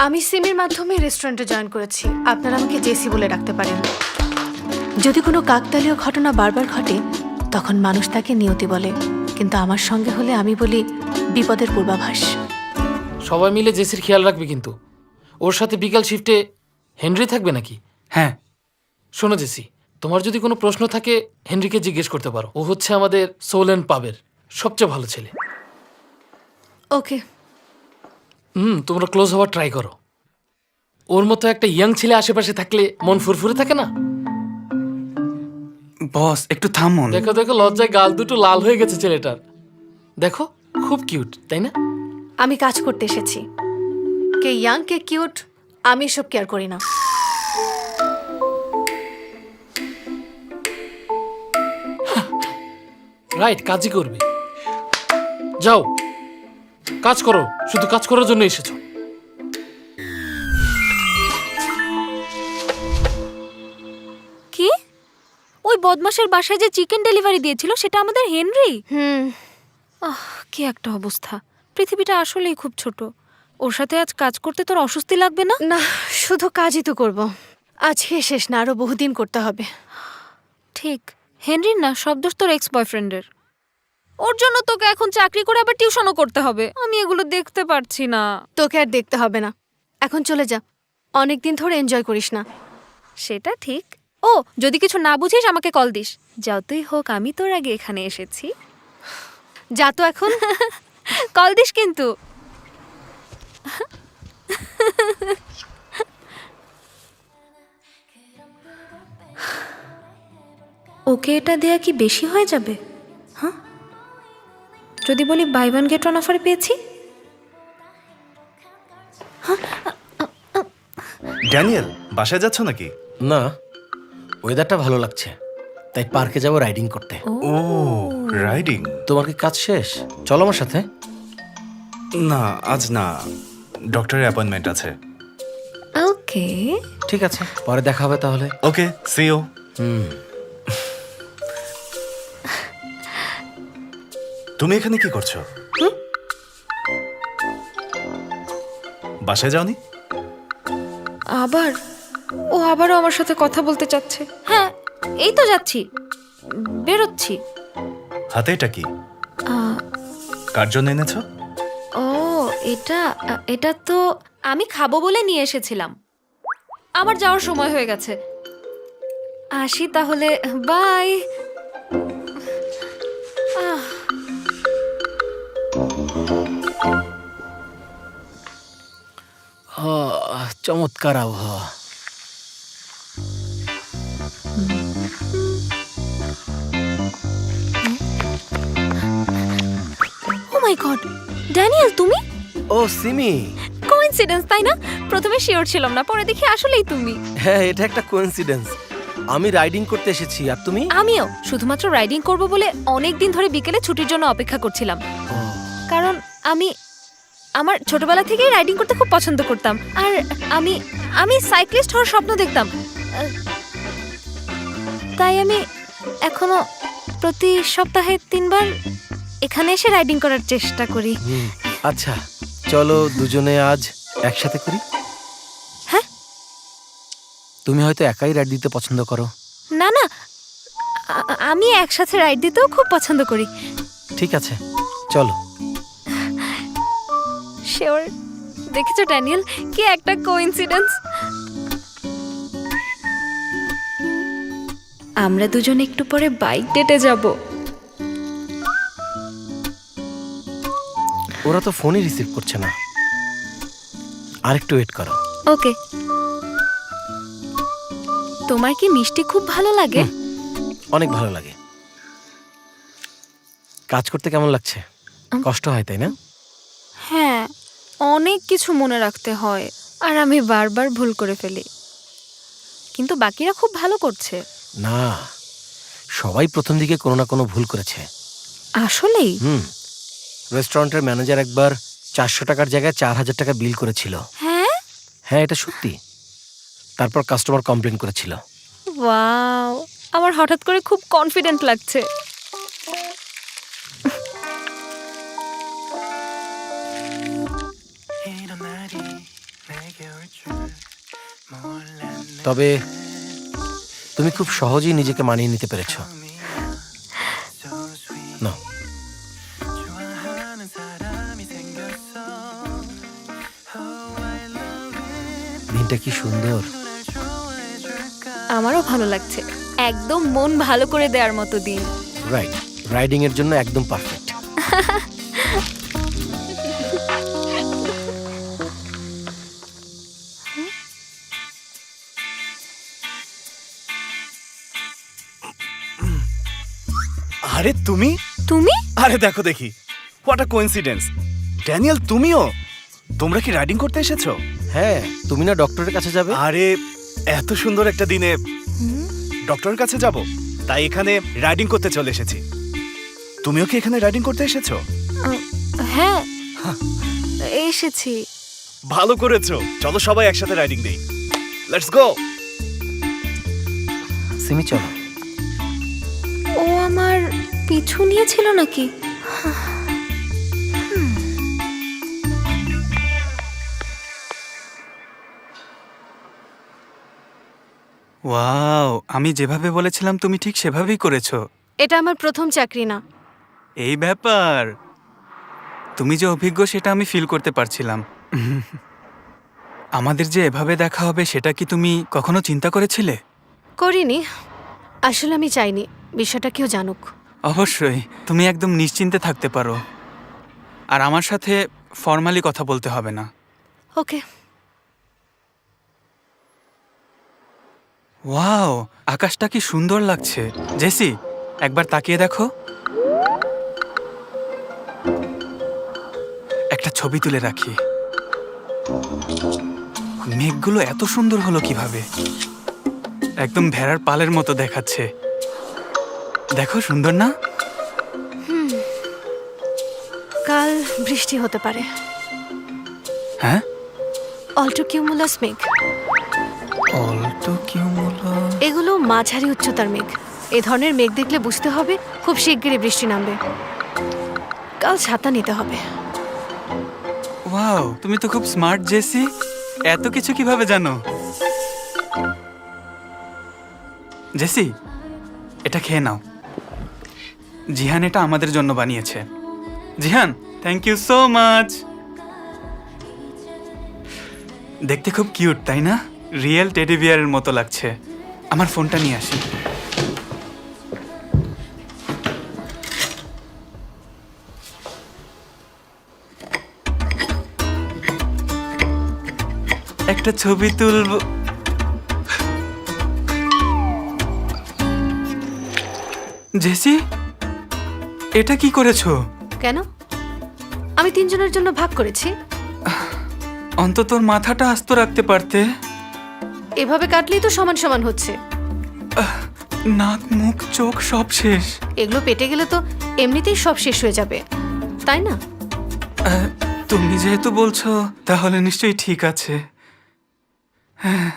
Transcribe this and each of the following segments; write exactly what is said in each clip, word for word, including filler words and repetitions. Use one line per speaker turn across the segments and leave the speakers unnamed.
আমি সিমের মাধ্যমে রেস্টুরেন্টে জয়েন করেছি। আপনারা আমাকে জেসি বলে ডাকতে পারেন। যদি কোনো কাকতালীয় ঘটনা বারবার ঘটে তখন মানুষ তাকে নিয়তি বলে, কিন্তু আমার সঙ্গে হলে আমি বলি বিপদের পূর্বাভাস।
সবাই মিলে জেসির খেয়াল রাখবে কিন্তু। ওর সাথে বিকাল শিফটে হেনরি থাকবে নাকি?
হ্যাঁ।
শোনো জেসি, তোমার যদি কোনো প্রশ্ন থাকে হেনরিকে জিজ্ঞেস করতে পারো। ও হচ্ছে আমাদের সোল অ্যান্ড পাবের সবচেয়ে ভালো ছেলে।
ওকে।
হুম তোমরা ক্লোজ হওয়ার ট্রাই করো। ওর মতো একটা ইয়াং ছেলে আশেপাশে থাকলে মন ফুরফুরে থাকে না?
বস একটু থামুন।
দেখো দেখো লজ্জায় গাল দুটো লাল হয়ে গেছে ছেলেটার। দেখো খুব কিউট, তাই না?
আমি কাজ করতে এসেছি। কে ইয়াং কে কিউট আমি সব কেয়ার করি না।
রাইট, কাজই করবে। যাও কাজ করো, শুধু কাজ করার জন্য এসেছো।
কি? ওই বদমাশের বাসায় যে চিকেন ডেলিভারি দিয়েছিল সেটা আমাদের হেনরি?
হুম।
আহ কি একটা অবস্থা। পৃথিবীটা আসলেই খুব ছোট। ওর সাথে আজ কাজ করতে তোর অস্বস্তি লাগবে না?
না, শুধু কাজই তো করব। আজকে শেষ না, আরো বহুদিন করতে হবে।
ঠিক। হেনরির না সব দোষ তোর এক্স বয়ফ্রেন্ডের। ওর জন্য তোকে এখন চাকরি করে আবার টিউশনও করতে হবে। আমি এগুলো দেখতে পারছি না।
তোকে আর দেখতে হবে না, এখন চলে যা। অনেকদিন ধরে এনজয় করিস না।
সেটা ঠিক। ও যদি কিছু না বুঝিস আমাকে কল দিস। যতই হোক আমি তোর আগে এখানে এসেছি।
যা তো এখন।
কল দিস কিন্তু। ওকে এটা দেয়া কি বেশি হয়ে যাবে? হ্যাঁ, যদি বলি বাই ওয়ান গেট ওয়ান অফারে পেয়েছি।
ড্যানিয়েল, বাসায় যাচ্ছ নাকি?
না, ওয়েদারটা ভালো লাগছে, তাই পার্কে যাব রাইডিং করতে।
ও রাইডিং।
তোমার কি কাজ শেষ? চলো আমার সাথে।
না আজ না, ডক্টরের অ্যাপয়েন্টমেন্ট আছে।
ওকে।
ঠিক আছে, পরে দেখা হবে তাহলে।
Okay, see you.
হুম।
তুমি এখানে কি করছো? বাসায় যাওনি?
আবার ও আবারও আমার সাথে কথা বলতে চাচ্ছে। হ্যাঁ, এই তো যাচ্ছি, বেরোচ্ছি।
হাতে এটা কি?
আহ,
কার জন্য এনেছো?
ও এটা এটা তো আমি খাবো বলে নিয়ে এসেছিলাম। আমার যাওয়ার সময় হয়ে গেছে, আসি তাহলে। বাই। আহ
আহ, চমৎকার আবহাওয়া।
ও মাই গড, ড্যানিয়েল তুমি?
ও সিমি।
কোইন্সিডেন্স তাই না? প্রথমে শিওর ছিলাম না, পরে দেখি আসলেই তুমি।
হ্যাঁ, এটা একটা কোইন্সিডেন্স। আমি রাইডিং করতে এসেছি, আর তুমি?
আমিও শুধুমাত্র রাইডিং করব বলে অনেক দিন ধরে বিকেলে ছুটির জন্য অপেক্ষা করছিলাম।
ও,
কারণ আমি আমার ছোটবেলা থেকেই রাইডিং করতে খুব পছন্দ করতাম। আর আমি আমি সাইক্লিস্ট হওয়ার স্বপ্ন দেখতাম। আহ, তাই আমি এখনো প্রতি সপ্তাহে তিনবার এখানে এসে রাইডিং করার চেষ্টা করি।
হুম, আচ্ছা চলো দুজনে আজ একসাথে করি।
হ্যাঁ?
তুমি হয়তো একাই রাইড দিতে পছন্দ করো।
না না, আ- আমি একসাথে রাইড দিতেও খুব পছন্দ করি।
ঠিক আছে, চলো।
শিওর। দেখেছো ড্যানিয়েল, কি একটা কোইন্সিডেন্স। আমরা দুজন একটু পরে বাইক ডেটে যাব।
ওরা তো ফোনই রিসিভ করছে না, আর একটু ওয়েট করো।
ওকে। তোমার কি মিষ্টি খুব ভালো লাগে?
অনেক ভালো লাগে। কাজ করতে কেমন লাগছে? কষ্ট হয় তাই না?
হ্যাঁ, অনেক কিছু মনে রাখতে হয়, আর আমি বারবার ভুল করে ফেলি। কিন্তু বাকিরা খুব ভালো করছে।
না, সবাই প্রথম দিকে কোনো না কোনো ভুল করেছে।
আসলেই?
হুম, রেস্টুরেন্টের ম্যানেজার একবার চারশো টাকার জায়গায় চার হাজার টাকা বিল করেছিল।
হ্যাঁ?
হ্যাঁ, এটা সত্যি। তারপর কাস্টমার কমপ্লেন করেছিল।
ওয়াও, আমার হঠাৎ করে খুব কনফিডেন্ট লাগছে।
일어나리
তবে তুমি খুব সহজেই নিজেকে মানিয়ে নিতে পেরেছ। না, দিনটা কি সুন্দর।
আমারও ভালো লাগছে, একদম মন ভালো করে দেওয়ার মতো দিন।
রাইট, রাইডিং এর জন্য একদম পারফেক্ট।
আরে তুমি
তুমি
আরে দেখো দেখি, হোয়াট আ কোইন্সিডেন্স। ড্যানিয়েল, তুমিও? তোমরা কি রাইডিং করতে এসেছো?
হ্যাঁ, তুমি না ডক্টরের কাছে যাবে?
আরে এত সুন্দর একটা দিনে ডক্টরের কাছে যাব, তাই এখানে রাইডিং করতে চলে এসেছি। তুমিও কি এখানে রাইডিং করতে এসেছো?
হ্যাঁ এসেছি।
ভালো করেছো, চলো সবাই একসাথে রাইডিং দেই। Let's go.
সিমি চলো।
ও আমার পিছু নিয়েছিল নাকি?
ওয়াও, আমি যেভাবে বলেছিলাম তুমি ঠিক সেভাবেই করেছো।
এটা আমার প্রথম চাকরি না।
এই ব্যাপার, তুমি যে অভিজ্ঞ সেটা আমি ফিল করতে পারছিলাম। আমাদের যে এভাবে দেখা হবে সেটা কি তুমি কখনো চিন্তা করেছিলে?
করিনি, আসলে আমি চাইনি বিষয়টা কেউ জানুক।
অবশ্যই, তুমি একদম নিশ্চিন্তে থাকতে পারো, আর আমার সাথে ফর্মালি কথা বলতে হবে না।
ওকে।
ওয়াও, আকাশটা কি সুন্দর লাগছে। জেসি, একবার তাকিয়ে দেখো। একটা ছবি তুলে রাখি। মেঘগুলো এত সুন্দর হলো কিভাবে? একদম ভেড়ার পালের মতো দেখাচ্ছে। দেখো, সুন্দর না?
কাল বৃষ্টি হতে পারে।
হ্যাঁ,
অল্টো কিউমুলাস মেঘ।
Altocumulus.
এগুলো মাঝারি উচ্চতার মেঘ। এ ধরনের মেঘ দেখলে বুঝতে হবে খুব শিগগিরই বৃষ্টি নামবে। কাল ছাতা নিতে হবে।
ওয়াও, তুমি তো খুব স্মার্ট জেসি। এত কিছু কিভাবে জানো? জেসি, এটা খেয়ে নাও। জিহান এটা আমাদের জন্য বানিয়েছে। Jihan, thank you so much. দেখতে খুব কিউট, তাই না? রিয়েল টেডি বিয়ারের মতো লাগছে। আমার ফোনটা নিয়ে আসি। একটা ছবি তুলব। জেসি, এটা কি করেছো?
কেন? আমি তিনজনের জন্য ভাগ করেছি।
অন্তত ওর মাথাটা আস্ত রাখতে পারতে।
এভাবে কাটলেই তো সমান সমান হচ্ছে।
নাক, মুখ, চোখ সব শেষ।
এগুলো পেটে গেলে তো এমনিতেই সব শেষ হয়ে যাবে, তাই না?
আহ, তুমি যেহেতু বলছো তাহলে নিশ্চয়ই ঠিক আছে। হ্যাঁ।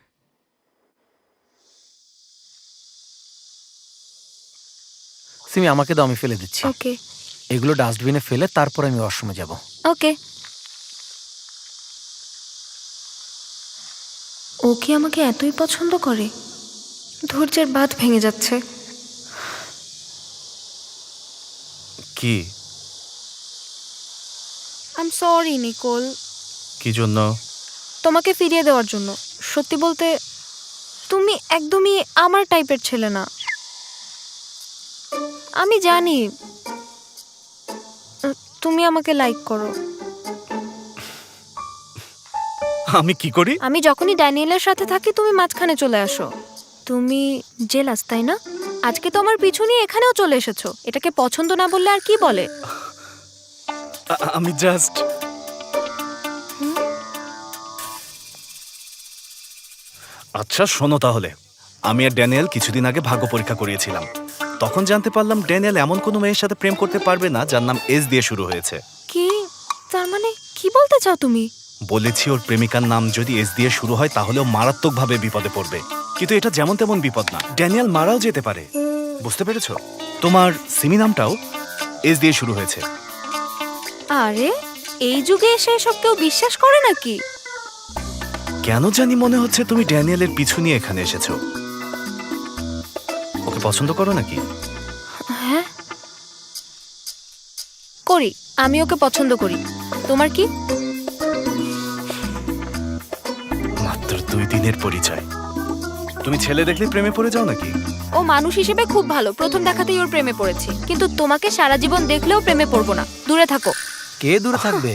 সিমি, আমাকে দাও, আমি ফেলে দিচ্ছি।
ওকে
এগুলো ডাস্টবিনে ফেলে তারপর আমি ওয়াশরুমে যাব।
ওকে। ও কি আমাকে এতই পছন্দ করে? ধৈর্যের বাঁধ ভেঙে যাচ্ছে।
কি?
আই এম সরি নিকোল,
কি জন্য?
তোমাকে ফিরিয়ে দেওয়ার জন্য। সত্যি বলতে তুমি একদমই আমার টাইপের ছেলে না। আমি জানি তুমি আমাকে লাইক করো।
আমি কি করি?
আমি যখনই ড্যানিয়েলের সাথে থাকি তুমি মাঝখানে চলে আসো। তুমি জেলাস, তাই না? আজকে তো আমার পিছু নিয়ে এখানেও চলে এসেছো। এটাকে পছন্দ না বললে আর কি বলে?
আ- আমি জাস্ট আচ্ছা শোনো তাহলে, আমি আর ড্যানিয়েল কিছুদিন আগে ভাগ্য পরীক্ষা করিয়েছিলাম। তখন জানতে পারলাম ড্যানিয়েল এমন কোনো মেয়ের সাথে প্রেম করতে পারবে না যার নাম এস দিয়ে শুরু হয়েছে।
কি? তার মানে কি বলতে চাও তুমি?
বলেছি ওর প্রেমিকার নাম যদি এস দিয়ে শুরু হয় তাহলে ও মারাত্মকভাবে বিপদে পড়বে। কিন্তু এটা যেমন তেমন বিপদ না, ড্যানিয়েল মারাও যেতে পারে। বুঝতে পেরেছো? তোমার সিমি নামটাও এস দিয়ে শুরু হয়েছে।
আরে এই যুগে এসে এসব কেউ বিশ্বাস করে নাকি?
কেন জানি মনে হচ্ছে তুমি ড্যানিয়েলের পিছু নিয়ে এখানে এসেছো। ওকে পছন্দ করো নাকি?
হ্যাঁ করি, আমি ওকে পছন্দ করি। তোমার কি?
মাত্র দুই দিনের পরিচয়, তুমি ছেলে দেখলে প্রেমে পড়ে যাও নাকি?
ও মানুষ হিসেবে খুব ভালো, প্রথম দেখাতেই ওর প্রেমে পড়েছি। কিন্তু তোমাকে সারা জীবন দেখলেও প্রেমে পড়বো না, দূরে থাকো।
কে দূরে থাকবে?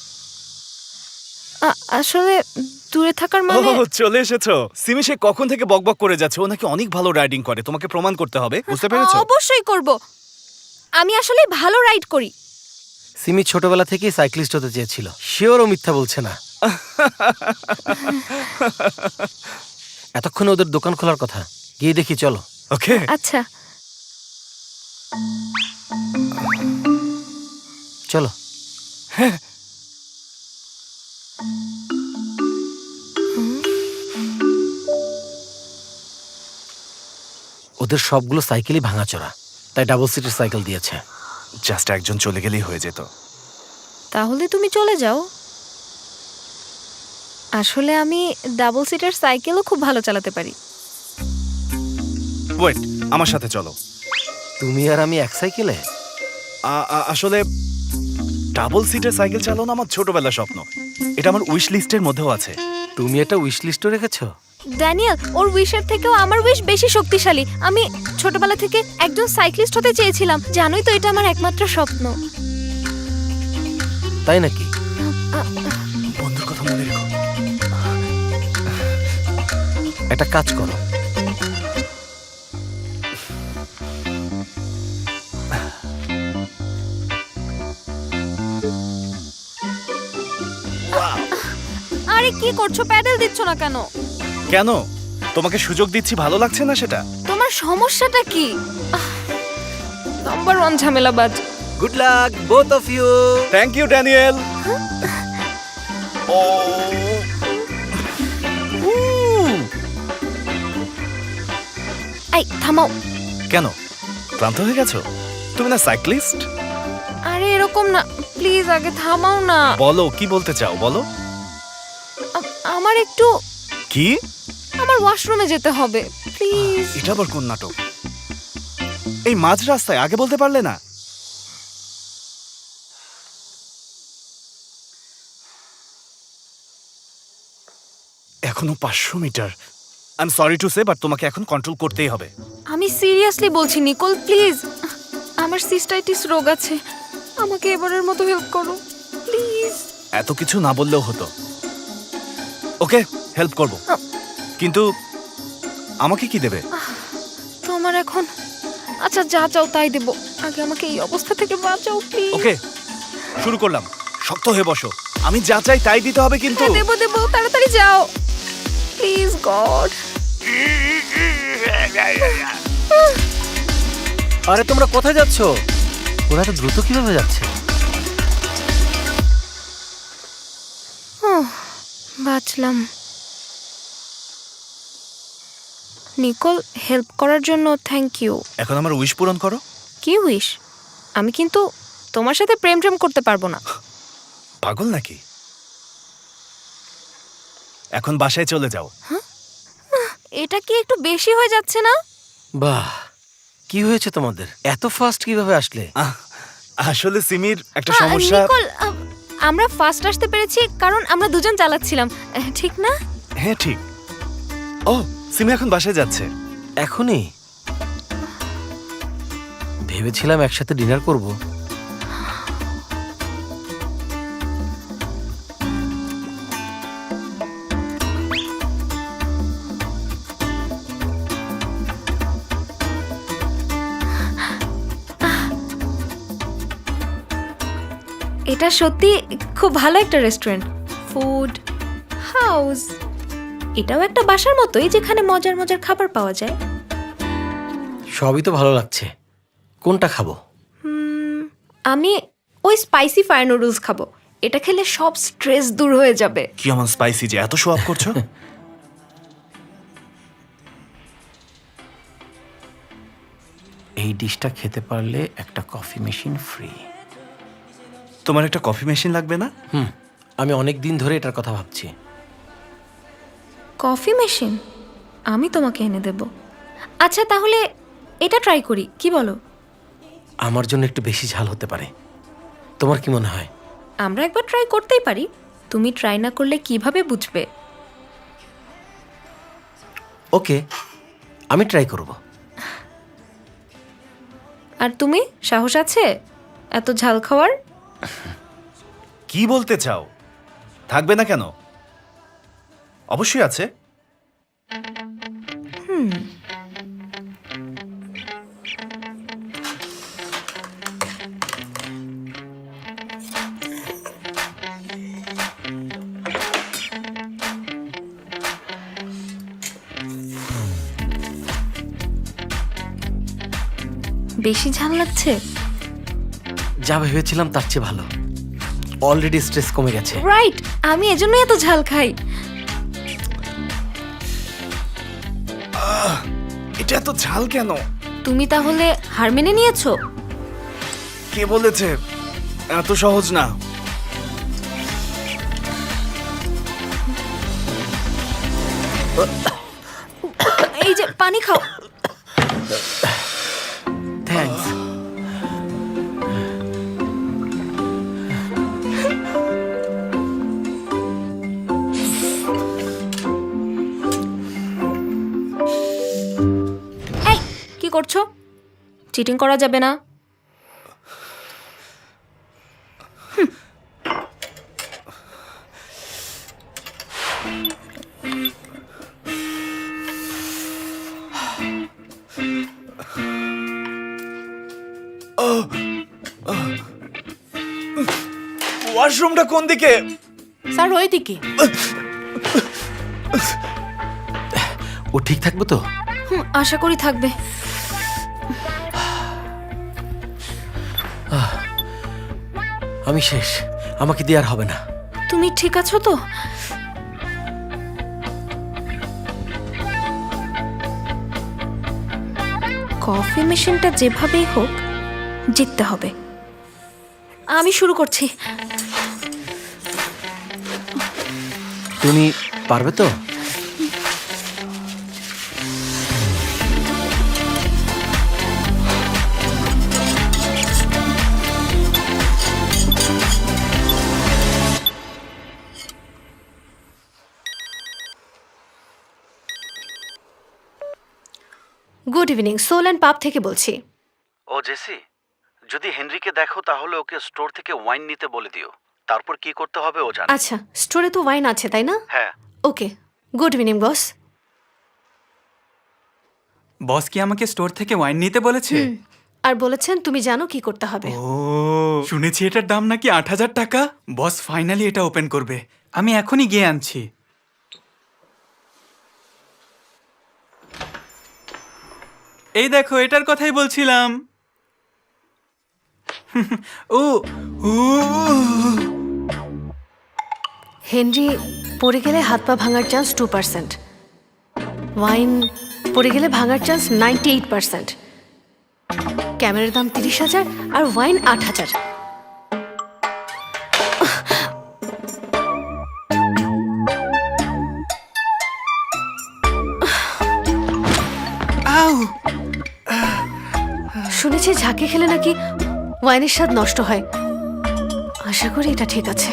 আ- আসলে দূরে থাকার মানে
ও চলে এসেছো। সিমি সে কখন থেকে বকবক করে যাচ্ছে, ও নাকি অনেক ভালো রাইডিং করে, তোমাকে প্রমাণ করতে হবে, বুঝতে পেরেছো?
অবশ্যই করব। আমি আসলে ভালো রাইড করি।
সিমি ছোটবেলা থেকেই সাইক্লিস্ট হতে চেয়েছিল। শিওর ও মিথ্যা বলছে না। এতক্ষণে ওদের দোকান খোলার কথা, গিয়ে দেখি চলো।
ওকে
আচ্ছা
চলো। ওদের সবগুলো সাইকেলই ভাঙাচোরা, তাই ডাবল সিটের সাইকেল দিয়েছে।
জাস্ট একজন চলে গেলেই হয়ে যেত।
তাহলে তুমি চলে যাও। আসলে আমি ডাবল সিটার সাইকেলও খুব ভালো চালাতে পারি।
ওয়েট, আমার সাথে চলো।
তুমি আর আমি এক সাইকেলে?
আ- আ- আসলে ডাবল সিটের সাইকেল চালানো আমার ছোটবেলার স্বপ্ন, এটা আমার উইশ লিস্টের মধ্যেও আছে।
তুমি এটা উইশ লিস্টে রেখেছো?
ড্যানিয়েল, ওর উইশের থেকেও আমার উইশ বেশি শক্তিশালী। আমি ছোটবেলা থেকে একজন সাইক্লিস্ট হতে চেয়েছিলাম, জানোই তো এটা আমার একমাত্র স্বপ্ন।
তাই নাকি?
বন্ধুর কথা মনে রেখো।
একটা কাজ করো,
আরে কি করছো, প্যাডেল দিচ্ছ না কেন?
কেন? তোমাকে সুযোগ দিচ্ছি, ভালো লাগছে না সেটা?
তোমার সমস্যাটা কি? নাম্বার ওয়ান ঝামেলাবাজ।
Good luck both of you.
Thank you Daniel. ও
এই থামাও।
কেন, ক্লান্ত হয়ে গেছো? তুমি না সাইক্লিস্ট?
আরে এরকম না, প্লিজ আগে থামাও না।
বলো কি বলতে চাও, বলো।
আ- আমার একটু
কি?
আমার ওয়াশরুমে যেতে হবে, প্লিজ।
এটা আবার কোন নাটক? এই মাঝ রাস্তায় আগে বলতে পারলে না? এখনো পাঁচশো metre. I am sorry to say, but তোমাকে এখন কন্ট্রোল করতেই হবে।
আমি সিরিয়াসলি বলছি নিকোল, প্লিজ। আমার সিস্টাইটিস রোগ আছে, আমাকে এবারের মতো হেল্প করো প্লিজ।
এত কিছু না বললেও হতো। ওকে, হেল্প করব, কিন্তু আমাকে কি দেবে?
তোমার এখন আচ্ছা যা চাও তাই দেব, আগে আমাকে এই অবস্থা থেকে বাঁচাও প্লিজ।
ওকে, শুরু করলাম। শক্ত হয়ে বসো, আমি যা চাই তাই দিতে হবে কিন্তু।
হ্যাঁ, দেবো দেবো, তাড়াতাড়ি যাও প্লিজ গড।
আরে তোমরা কোথায় যাচ্ছ? ওরা তো দ্রুত কিভাবে যাচ্ছে?
বাঁচলাম। নিকোল, হেল্প করার জন্য থ্যাংক ইউ।
এখন আমার উইশ পূরণ করো।
কি উইশ? আমি কিন্তু তোমার সাথে প্রেম প্রেম করতে পারবো না।
পাগল নাকি? এখন বাসায় চলে যাও।
এটা কি একটু বেশি হয়ে যাচ্ছে না?
বাহ, কি হয়েছে তোমাদের? এত ফাস্ট কিভাবে আসলে?
আহ, আসলে সিমির একটা
আ,
সমস্যা।
নিকোল, আ, আমরা ফার্স্ট আসতে পেরেছি কারণ আমরা দুজন চালাচ্ছিলাম, আহ, ঠিক না?
হ্যাঁ ঠিক। ও, সিমি এখন বাসায় যাচ্ছে।
এখনই? ভেবেছিলাম একসাথে ডিনার করব।
এটা সত্যি খুব ভালো একটা রেস্টুরেন্ট, ফুড হাউস। এটাও একটা বাসার মতোই, যেখানে মজার মজার খাবার পাওয়া যায়।
সবই তো ভালো লাগছে, কোনটা খাবো?
হুম, আমি ওই স্পাইসি ফায়ার নুডলস খাবো। এটা খেলে সব স্ট্রেস দূর হয়ে যাবে।
কি এমন স্পাইসি যে এত শো আপ করছো?
এই ডিশটা খেতে পারলে একটা কফি মেশিন ফ্রি।
তোমার একটা কফি মেশিন লাগবে না?
হুম, আমি অনেক দিন ধরে এটার কথা ভাবছি।
কফি মেশিন আমি তোমাকে এনে দেব। আচ্ছা তাহলে এটা ট্রাই করি, কি বলো?
আমার জন্য একটু বেশি ঝাল হতে পারে, তোমার কি মনে হয়?
আমরা একবার ট্রাই করতেই পারি। তুমি ট্রাই না করলে কিভাবে বুঝবে?
ওকে, আমি ট্রাই করব।
আর তুমি, সাহস আছে এত ঝাল খাওয়ার?
কি বলতে চাও? থাকবে না কেন? অবশ্যই আছে।
বেশি ঝাল লাগছে?
যা ভেবেছিলাম তার চেয়ে ভালো। অলরেডি স্ট্রেস কমে গেছে।
রাইট, আমি এজন্যই এত ঝাল খাই।
এটা এত ঝাল কেন?
তুমি তাহলে হার মেনে নিয়েছো?
কে বলেছে? এত সহজ না।
এই যে পানি খাও।
থ্যাঙ্কস।
এই কি করছো? চিটিং করা যাবে না।
ওয়াশরুমটা কোন দিকে?
স্যার ওই দিকে।
ও ঠিক থাকবে তো?
হুম, আশা করি থাকবে।
আমি শেষ, আমাকে দিয়ে আর হবে না।
তুমি ঠিক আছো তো? কফি মেশিনটা যেভাবেই হোক জিততে হবে। আমি শুরু করছি।
তুমি পারবে তো?
গুড ইভিনিং, সোল অ্যান্ড পাপ থেকে বলছি।
ও জেসি, যদি হেনরিকে দেখো তাহলে ওকে স্টোর থেকে ওয়াইন নিতে বলে দিও। তারপর কি করতে হবে ও জানে।
আচ্ছা, স্টোরে তো ওয়াইন আছে তাই না?
হ্যাঁ।
ওকে, গুড ইভিনিং বস।
বস কি আমাকে স্টোর থেকে ওয়াইন নিতে বলেছে?
আর বলেছেন তুমি জানো কি করতে হবে।
ও, শুনেছি এটার দাম নাকি আট হাজার টাকা। বস ফাইনালি এটা ওপেন করবে। আমি এখনই গিয়ে আনছি। এই দেখো, এটার কথাই বলছিলাম। ও ও
হেনরি পড়ে গেলে হাত পা ভাঙার চান্স টু পার্সেন্ট, ওয়াইন পড়ে গেলে ভাঙার চান্স নাইনটি এইট পার্সেন্ট। ক্যামেরার দাম তিরিশ হাজার আর ওয়াইন আট হাজার।
আউ
শুনেছি ঝাঁকে খেলে নাকি ওয়াইনের স্বাদ নষ্ট হয়। আশা করি এটা ঠিক আছে।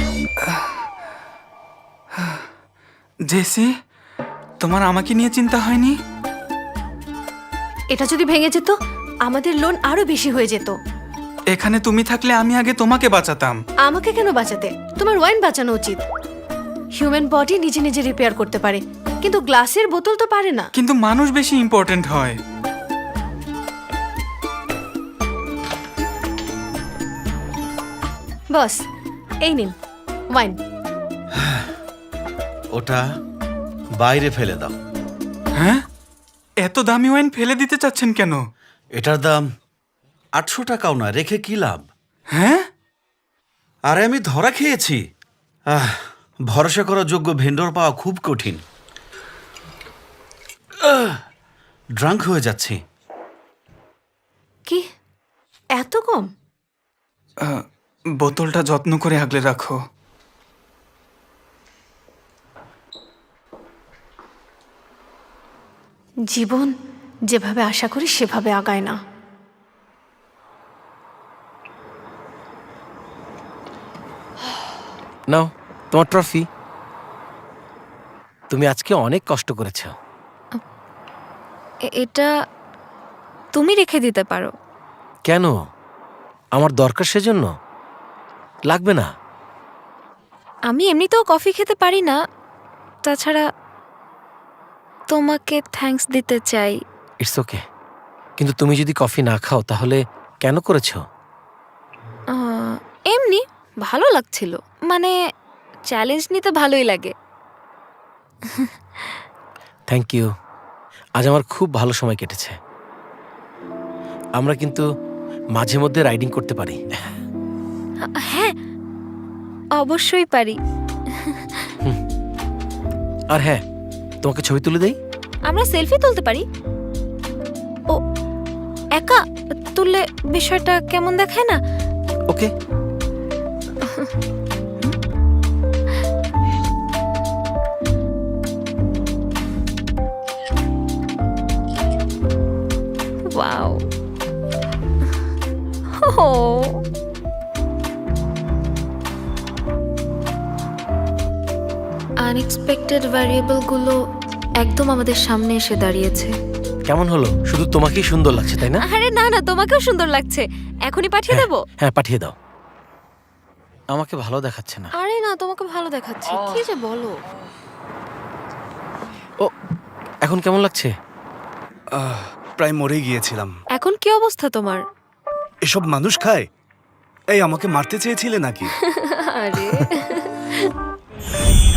জেসি, তোমার আমাকে নিয়ে চিন্তা হয়নি?
এটা যদি ভেঙে যেত আমাদের লোন আরো বেশি হয়ে যেত।
এখানে তুমি থাকলে আমি আগে তোমাকে বাঁচাতাম।
আমাকে কেন বাঁচাতে? তোমার ওয়াইন বাঁচানো উচিত। হিউম্যান বডি নিজে নিজে রিপেয়ার করতে পারে, কিন্তু গ্লাসের বোতল তো পারে না।
কিন্তু মানুষ বেশি ইম্পর্ট্যান্ট হয়।
বস, এই নিন ওয়াইন।
ওটা বাইরে ফেলে দাও।
হ্যাঁ, এত দামি ওয়াইন ফেলে দিতে চাচ্ছেন কেন?
এটার দাম আটশো টাকাও না, রেখে কি লাভ?
হ্যাঁ,
আরে আমি ধরা খেয়েছি। আহ, ভরসা করার যোগ্য ভেন্ডর পাওয়া খুব কঠিন। ড্রাঙ্ক হয়ে যাচ্ছি।
কি এত কম?
আহ, বোতলটা যত্ন করে আগলে রাখো।
জীবন যেভাবে আশা করি সেভাবে আগায় না।
নাও তোমার ট্রফি। তুমি আজকে অনেক কষ্ট করেছ।
এ- এটা তুমি রেখে দিতে পারো।
কেন? আমার দরকার সেজন্য? লাগবে না।
আমি এমনিতেও কফি খেতে পারি না, তাছাড়া তোমাকে থ্যাঙ্কস দিতে চাই।
It's okay. কিন্তু তুমি যদি কফি না খাও তাহলে কেন করেছো?
আহ, এমনি ভালো লাগছিল, মানে চ্যালেঞ্জ নিতে ভালোই লাগে।
Thank you. আজ আমার খুব ভালো সময় কেটেছে। আমরা কিন্তু মাঝে মধ্যে রাইডিং করতে পারি।
হ্যাঁ, অবশ্যই পারি।
আর হ্যাঁ, তোমাকে ছবি তুলে দেই।
আমরা সেলফি তুলতে পারি। ও, একা তুললে বিষয়টা কেমন দেখায় না?
ওকে।
ওয়াও। ও, আনএক্সপেক্টেড ভ্যারিয়েবলগুলো একদম আমাদের সামনে এসে দাঁড়িয়েছে।
কেমন হলো? শুধু তোমাকেই সুন্দর লাগছে তাই না?
আরে না না, তোমাকেও সুন্দর লাগছে। এখনই পাঠিয়ে দেবো?
হ্যাঁ, পাঠিয়ে দাও। আমাকে ভালো দেখাচ্ছে না।
আরে না, তোমাকে ভালো দেখাচ্ছে। কি যে বলো।
ও, এখন কেমন লাগছে?
প্রায় মরে গিয়েছিলাম।
এখন কি অবস্থা তোমার?
এসব মানুষ খায়? এই আমাকে মারতে চেয়েছিলে নাকি?
আরে